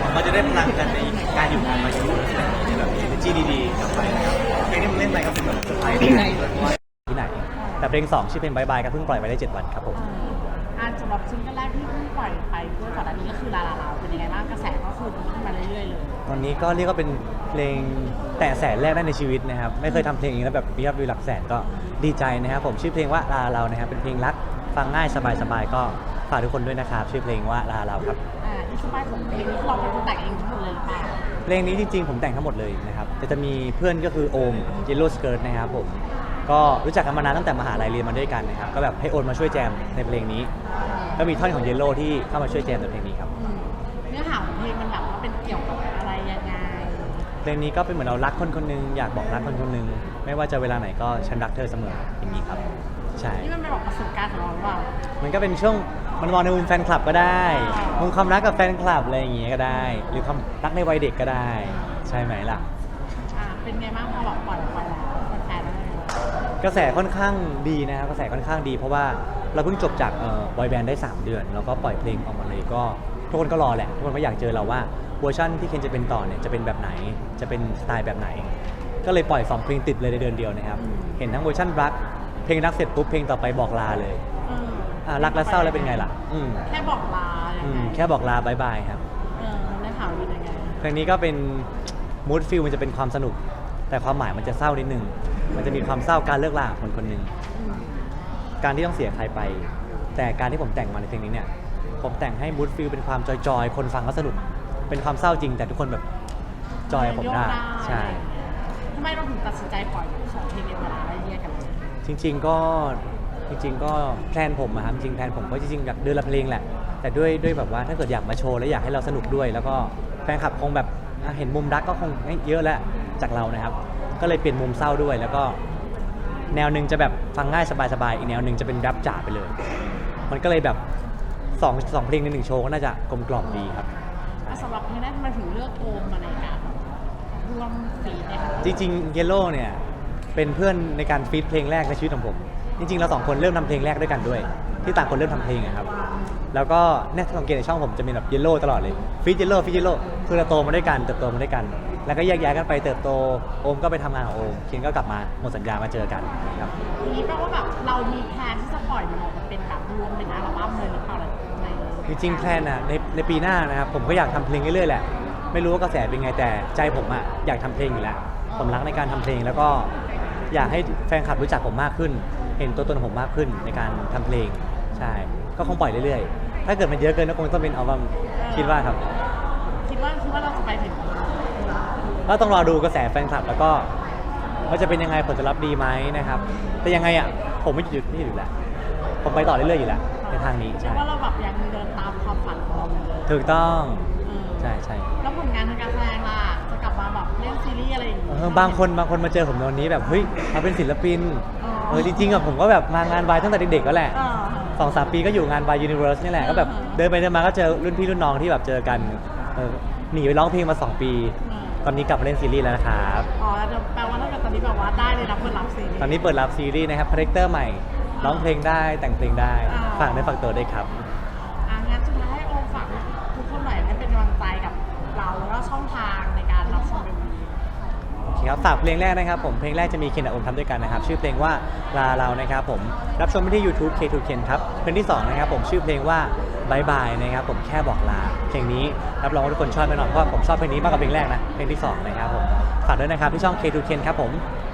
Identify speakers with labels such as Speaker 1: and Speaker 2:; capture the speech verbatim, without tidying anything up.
Speaker 1: เราจะได้พลังกันในการอยู่กันมาอยู่ในแบบมี energy ดีๆกลับไปนะครับเพลงที่มันเล่นไปก็เป็นแบบเซอร์ไพรส์ที่ไหนที่ไหนแต่เพลงสองชื่อเพลงบายบายก็เพิ่งปล่อยไปได้เจ็ดวันครับผม
Speaker 2: อ่าสำหรับซิงเกิลแรกที่เพิ่งปล่อยไปเพื่อก่อนอันนี้ก็คือลาลาลาเป็นยังไงบ้างกระแสก็คือดีขึ้นมาเรื่อยๆเลย
Speaker 1: ตอนนี้ก็เรียกว่าเป็นเพลงแต่แสนแรกได้ในชีวิตนะครับไม่เคยทำเพลงอย่างนี้แล้วแบบมียอดวิวหลักแสนก็ดีใจนะครับผมชื่อเพลงว่าลาเรานะครับเป็นเพลงรักฟังง่ายสบายๆก็ฝากทุกคนด้วยนะครับชื่อเพลงว่าลาเราครับ
Speaker 2: อ่าอินสปายของเพลงนี้เราเป็นคนแต่งเองทั้งหมดเลยหรือเปล่า
Speaker 1: เพลงนี้จริงๆผมแต่งทั้งหมดเลยนะครับแต่จะมีเพื่อนก็คือโอม Yellow Skirt นะครับผมก็รู้จักกันมานานตั้งแต่มหาลัยเรียนมาด้วยกันนะครับก็แบบให้โอนมาช่วยแจมในเพลงนี้ก็มีท่อนของ Yellow ที่เข้ามาช่วยแจมในเพลงนี้ครับ
Speaker 2: เนื้อหาของเพลงมันแบบว่าเป็นเกี่ยวกับอะไรยังไง
Speaker 1: เพลงนี้ก็เป็นเหมือนเรารักคนคนนึงอยากบอกรักคนคนนึงไม่ว่าจะเวลาไหนก็ฉันรักเธอเสมออย่างนี้ครับใช่
Speaker 2: นี่มันเป็นแบบประสบการณ์ของเราหรือเปล่า
Speaker 1: มันก็เป็นช่วงมันมองในมุมแฟนคลับก็ได้มุมความรักกับแฟนคลับอะไรอย่างเงี้ยก็ได้หรือความรักในวัยเด็กก็ได้ใช่ไหมล่ะ
Speaker 2: อ่าเป็นไงบ้างพอแบบปล่อยไปแล้วแฟนๆ
Speaker 1: กระแสค่อนข้างดีนะครับกระแสค่อนข้างดีเพราะว่าเราเพิ่งจบจากเอ่อบอยแบนด์ได้สามเดือนแล้วก็ปล่อยเพลงออกมาเลยก็ทุกคนก็รอแหละทุกคนก็อยากเจอเราว่าเวอร์ชันที่เคนจะเป็นต่อเนี่ยจะเป็นแบบไหนจะเป็นสไตล์แบบไหนก็เลยปล่อยสองเพลงติดเลยในเดือนเดียวนะครับเห็นทั้งเวอร์ชันรักเพลงรักเสร็จปุ๊บเพลงต่อไปบอกลาเลยอ่ารักและเศร้าแล้วเป็นไงล่ะ
Speaker 2: แค่บอกลา
Speaker 1: แค่บอกลาบายบายครับ
Speaker 2: เออได้ข่าวเป็นยังไง
Speaker 1: เพลงนี้ก็เป็นมูดฟิลมันจะเป็นความสนุกแต่ความหมายมันจะเศร้านิดนึงมันจะมีความเศร้าการเลิกลาของคนคนหนึ่งการที่ต้องเสียใครไปแต่การที่ผมแต่งมาในเพลงนี้เนี่ยผมแต่งให้มูดฟิลเป็นความจอยๆคนฟังก็สนุกเป็นความเศร้าจริงแต่ทุกคนแบบจอยผมได้ใช่
Speaker 2: ทำไมเราถึงตัดสินใจปล่อยสองเพลงในเวลาไล่เลี่ยกัน
Speaker 1: จริงๆก็จริงๆก็แพลนผมอะครับจริงๆแพลนผมก็จริงๆอยากเดือนละเพลงแหละแต่ด้วยด้วยแบบว่าถ้าเกิดอยากมาโชว์และอยากให้เราสนุกด้วยแล้วก็แฟนคลับคงแบบเห็นมุมรักก็คงเยอะแล้วจากเรานะครับก็เลยเปลี่ยนมุมเศร้าด้วยแล้วก็แนวหนึ่งจะแบบฟังง่ายสบายๆอีกแนวหนึ่งจะเป็นแรปจ๋าไปเลยมันก็เลยแบบสองสองเพลงในหนึ่งโชว์ก็น่าจะกลมกล่อมดีครับ
Speaker 2: สำหรับเพลงนั้นมันถึงเลือกโอมมาในการร่วมฟีดเนี่ย
Speaker 1: จริงๆ Yellow เนี่ยเป็นเพื่อนในการฟีดเพลงแรกในชีวิตของผมจริงๆเราสองคนเริ่มทำเพลงแรกด้วยกันด้วยที่ต่างคนเริ่มทำเพลงครับแล้วก็เนี่ยสังเกตในช่องผมจะมีแบบ Yellow ตลอดเลยฟีด Yellow ฟีด Yellow คือเราโตมาด้วยกันเติบโตมาด้วยกันแล้วก็แยกย้ายกันไปเติบโตโอมก็ไปทำงานของโอมเคนก็กลับมาหมดสัญญามาเจอกันครับ
Speaker 2: ทีนี้แปลว่าแบบเรามีแพลนที่จะปล่อยมันออกมาเป็นแบบรวมเป็นอัลบั้มเลยหรือเปล่าใน
Speaker 1: จริงๆแพลนอ่ะในในปีหน้านะครับผมก็อยากทำเพลงเรื่อยๆแหละไม่รู้ว่ากระแสเป็นไงแต่ใจผมอ่ะอยากทำเพลงอยู่แล้วผมรักในการทำเพลงแล้วก็อยากให้แฟนคลับรู้จักผมมากขึ้นเห็นตัวตนผมมากขึ้นในการทำเพลงใช่ก็คงปล่อยเรื่อยๆถ้าเกิดมันเยอะเกินก็คงต้องเป็นอัลบั้มคิดว่าครับ
Speaker 2: คิดว่าคิดว่าเราจะไปถึง
Speaker 1: ก็ต้องรอดูกระแสแฟนคลับแล้วก็ว่าจะเป็นยังไงผลจะรับดีไหมนะครับแต่ยังไงอ่ะผมไม่หยุดไม่หยุดแหละผมไปต่อเรื่อยๆอยู่แล้วในทางนี้
Speaker 2: ใช่ว่าเราแบบยังเดินตามความฝันของเราเลย
Speaker 1: ถูกต้องใช่ใช่
Speaker 2: แล้วผลงานทางการแสดงล่ะจะกลับมาแบบเล่นซีรีส์อะไรอย่างเงี้ย
Speaker 1: บางคนบางคนมาเจอผมตอนนี้แบบเฮ้ยมาเป็นศิลปินเออจริงๆอะผมก็แบบมางานวายตั้งแต่เด็กๆก็แหละสองสามปีก็อยู่งานวายยูนิเวอร์สนี่แหละก็แบบเดินไปเดินมาก็เจอรุ่นพี่รุ่นน้องที่แบบเจอกันหนีไปร้องเพลงมาสองปีตอนนี้กลับมาเล่นซีรีส์แล้วนะครับ
Speaker 2: อ๋อแปลว่าถ้าเกิดตอนนี้แบบว่าได้เลยรับเปิดรับซีรีส์
Speaker 1: ตอนนี้เปิดรับซีรีส์นะครับคาแรคเตอร์ใหม่ร้องเพลงได้แต่งเพลงได้ฝากได้ฝากตัวด้วยครับ
Speaker 2: อ่ะงั้นสุดท้ายให้โอมฝากทุกคนหน่อยให้เป็นกำลังใจกับเราแล้วก็ช่องทางในการรับชมเป็น
Speaker 1: โอเคครับฝากเพลงแรกนะครับผมเพลงแรกจะมีเคนกับโอมทำด้วยกันนะครับชื่อเพลงว่าลาเรานะครับผมรับชมได้ที่ YouTube เค ทู เคน ครับเพลงที่สองนะครับผมชื่อเพลงว่าบายบายนะครับผมแค่บอกลาเพลงนี้รับรองว่าทุกคนชอบแน่นอนเพราะผมชอบเพลงนี้มากกว่าเพลงแรกนะเพลงที่สองนะครับผมฝากด้วยนะครับที่ช่อง เค ทู เคน ครับผม